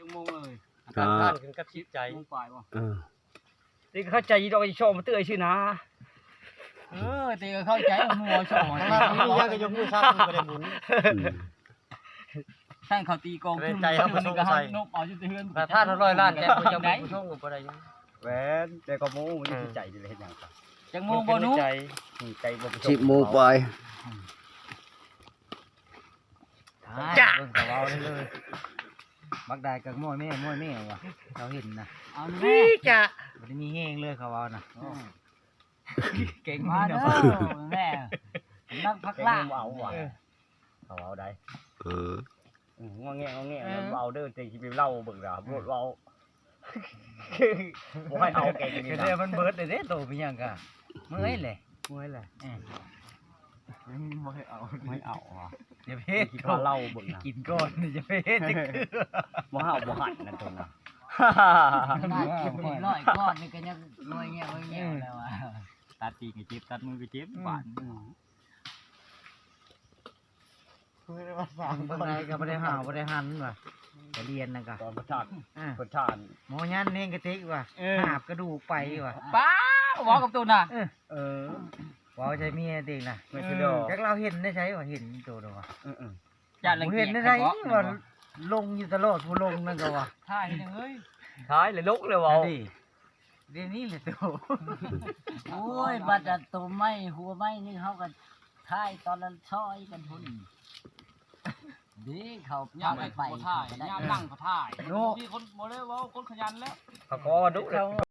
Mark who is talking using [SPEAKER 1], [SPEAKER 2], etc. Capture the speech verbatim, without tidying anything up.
[SPEAKER 1] ชั่วโมงเลย
[SPEAKER 2] อ่า
[SPEAKER 3] ท่านขึ้นกับจิตใจ
[SPEAKER 1] โมงปลายบ่
[SPEAKER 2] เออ
[SPEAKER 4] นี่เข้าใจดอกชอบมาเตื้อยชื่อนะ
[SPEAKER 1] เออตีก็เข้าใจว่ามัวชอบ
[SPEAKER 3] ทางนั้นมียากก็ยกมือซักบ่ได้บุญ
[SPEAKER 2] อืม
[SPEAKER 1] ท่านเขาตีกองขึ้น
[SPEAKER 3] ใจเขา
[SPEAKER 1] ขึ้น
[SPEAKER 3] สง
[SPEAKER 1] ก็
[SPEAKER 3] สั
[SPEAKER 1] เฮาย นกเอาจุดเทือน
[SPEAKER 3] แต่ท่านร้อยล้านแต่บ่ยังบ่ผู้ชมก็บ่ได้ยัง
[SPEAKER 4] แหวนแต่ก็โม้มันใจอยู่เลยเห็นอย่างครับ
[SPEAKER 1] จังโมงบ่นุ๊ก
[SPEAKER 3] ใจ
[SPEAKER 4] ใจบ่
[SPEAKER 2] สิบโมงไป
[SPEAKER 3] จ้าเบิ่งก็เว้าเลยบักได้กับม้อยแม่ม้อยแม่ว่ะเขาเห็นนะ
[SPEAKER 1] เอาแม่
[SPEAKER 4] พี่จะ
[SPEAKER 3] บ่ได้มีแห้งเลยเขาเว้านะ
[SPEAKER 1] เก่งมาเด้อแม่นักพัก
[SPEAKER 4] แก
[SPEAKER 1] ล่า
[SPEAKER 4] งเอาว่ะเขาเอาได้
[SPEAKER 2] เออ
[SPEAKER 4] งอแงงอแงเอาเด้อใจสิไปเล่าเบิ่งดาบ่เว้าบ่ให้เอาแกงนี่
[SPEAKER 3] ก็
[SPEAKER 4] นะ
[SPEAKER 3] ได้มันเบิดได้เด้โตเป็นหยังกะเมื่อยแหละ
[SPEAKER 4] เมื่อยแหละ
[SPEAKER 1] บ่ให้เอา
[SPEAKER 4] ไม่เอาว่ะ
[SPEAKER 3] อย่าเพศ
[SPEAKER 4] คิดว่าเล่าเบิ่งนะ
[SPEAKER 3] กินก่อนอย่าเพศจะคือ
[SPEAKER 4] บ่เฮาบ่หันนั่นตรงน่ะ
[SPEAKER 1] ร้อยก้อนนี่ก็ยังรวยเงี้ยรวยเงี้ยแล้วอ่ะ
[SPEAKER 4] ตัดตีนก็เจ็บตัดมือก็เจ็บบาด
[SPEAKER 3] เบิ่งไงก็บ่ได้หาวบ่ได้หันว่ะก็เรียนนะกะ
[SPEAKER 4] ตอนประชาชน
[SPEAKER 3] อ่า
[SPEAKER 4] ประชาชน
[SPEAKER 3] หมอยันเฮงกระติกว่ะหาบกระดูกไปว่ะ
[SPEAKER 1] ป้าบอกกับตัวน่ะ
[SPEAKER 4] เออ
[SPEAKER 3] เว้าใจเมียติงน่ะ
[SPEAKER 4] ไม่ใช่ดอก
[SPEAKER 3] จักเราเห็นได้ใช่ว่าเห็นโตดอกว่ะ
[SPEAKER 4] เออ
[SPEAKER 1] อย่าลัง
[SPEAKER 3] บ่
[SPEAKER 1] เกี
[SPEAKER 3] เห็
[SPEAKER 1] ย
[SPEAKER 3] น
[SPEAKER 1] จ
[SPEAKER 3] ได้ไดว่าลงอยู่ตลอดผู้ลงนั่นก็ว่ะ
[SPEAKER 1] ท่ายนึงเอ้ย
[SPEAKER 4] ท้ายเลยลุกเลยเว้า
[SPEAKER 3] ดิเดี๋ยวนี้แหละโต
[SPEAKER 1] โอ้ยบัดอันตัวไม้หัวไม้นี่เขาก็ท่ายตอนละช้อยกันพุ่นดีเขาย่างไปไปย่างนั่งเขาท่ายมีคนบ่ได้ว่าคนขยันแล้ว
[SPEAKER 4] เขาก็ดุแล้ว